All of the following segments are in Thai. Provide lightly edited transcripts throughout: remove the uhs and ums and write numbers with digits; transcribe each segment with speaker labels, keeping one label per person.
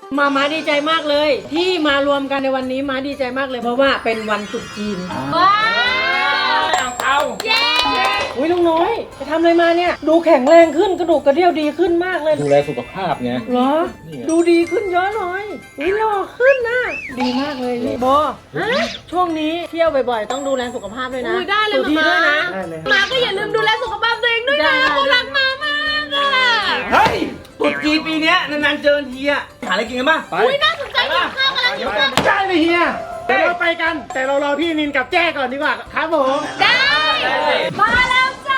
Speaker 1: ม้าดีใจมากเลยที่มารวมกันในวันนี้ม้าดีใจมากเลยเพราะว่าเป็นวันตรุษจีน
Speaker 2: ว้าว
Speaker 3: เอา
Speaker 2: เย้
Speaker 1: อุ้ยลุงน้อยไปทำอะไรมาเนี่ยดูแข็งแรงขึ้นกระดูกกระเดี่ยวดีขึ้นมากเลย
Speaker 3: ดูแลสุขภาพไง
Speaker 1: เหรอ
Speaker 3: นี่ไง
Speaker 1: ดูดีขึ้นเยอะเลยอุ้ยหล่อขึ้นนะดีมากเลยนี่โบช่วงนี้เที่ยวบ่อยๆต้องดูแลสุขภาพด้วยนะ
Speaker 2: อุ้ยได้เลย
Speaker 1: สุธีด้วยนะ
Speaker 3: ได้เลย
Speaker 2: มาก็อย่าลืมดูแลสุขภาพตัวเองด้วยนะพวกรักมามากอ่ะ
Speaker 4: เฮ้ยตรุษจีนปีเนี้ยนานๆเจอทีอะหาอะไรกินกันบ้าง
Speaker 3: ไป
Speaker 2: อุ้ยน่าสนใจกินข้าวกันแล้วหิวข้าว
Speaker 3: ได้เลยเฮียเดี๋ยวเราไปกัน แต่เรารอพี่นินกับแจ้ก่อนดีกว่าครับผม
Speaker 2: ได้มาแล้วจ้า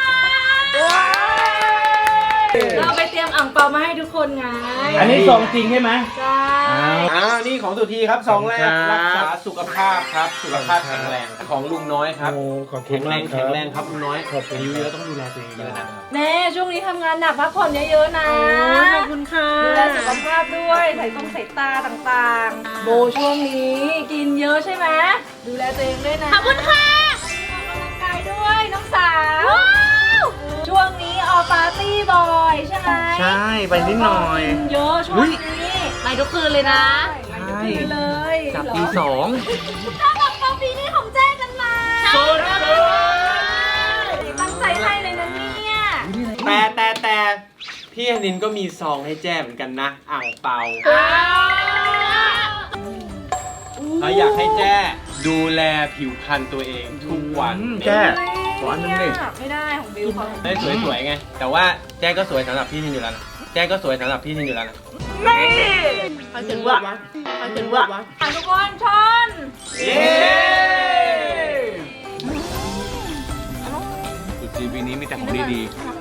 Speaker 2: เราไปเตรียมอ่างเปามาให้ทุกคนไง
Speaker 4: อันนี้ซองจริงใช่ไหม
Speaker 2: ใช่
Speaker 4: นี่ของสุธีครับซองแรก
Speaker 3: ขอบคุณครับ
Speaker 4: รักษาสุขภาพครับ สุขภาพแข็งแรงของลุงน้อยครับ
Speaker 3: โอ้ขอบคุ
Speaker 4: แข็
Speaker 3: ณ
Speaker 4: งแร
Speaker 3: มาก
Speaker 4: ง
Speaker 3: ครั
Speaker 4: แข็
Speaker 3: บ
Speaker 4: งแรงครับลุงน้อย
Speaker 3: ขอบคุณ
Speaker 4: อายุเยอะต้องดูแลตัวเองเยอะนะ
Speaker 2: แน่ช่วงนี้ทำงานหนักพักผ่อนเยอะๆนะ
Speaker 1: ขอบคุณค่ะ
Speaker 2: ดูแลสุขภาพด้วยใส่ตาต่างๆ โบช่วงนี้กินเยอะใช่ไหมดูแลตัวเองด้วยนะขอบคุณค่ะออกกำลังกายด้วยน้องสาวช่วงนี้ออกปาร์ตี้บ่อยใช่ไหม
Speaker 4: ใช่ไปนิดหน่อย
Speaker 2: กินเยอะช่วงนี้ไปทุกคืนเลยนะ
Speaker 4: ใช่
Speaker 2: ไปทุกคืนเลย
Speaker 4: จับตีสอง
Speaker 2: ถ้ากับปาปีนี้ของแจ้กันมา
Speaker 4: สุด
Speaker 2: ตั้งใจให้เลยนะเนี่ย
Speaker 4: แต่พี่อนินก็มีซองให้แจ้เหมือนกันนะอ่างเปาเราอยากให้แจ้ดูแลผิวพรรณตัวเองทุกวัน
Speaker 3: แจ้
Speaker 2: ขออันนึงดิไม่ได้ของบิวเขา
Speaker 4: ได้สวยๆไง แต่ว่าแจ้ก็สวยสำหรับพี่นินอยู่แล้วนะแจ้ก็สวยสำหรับพี่นินอยู่แล้วนะ
Speaker 2: ใครเป็นวะใครเป็นวะทุกคนชน
Speaker 4: เย้
Speaker 3: ตรุษจีนปีนี้มีแต่ของดีๆ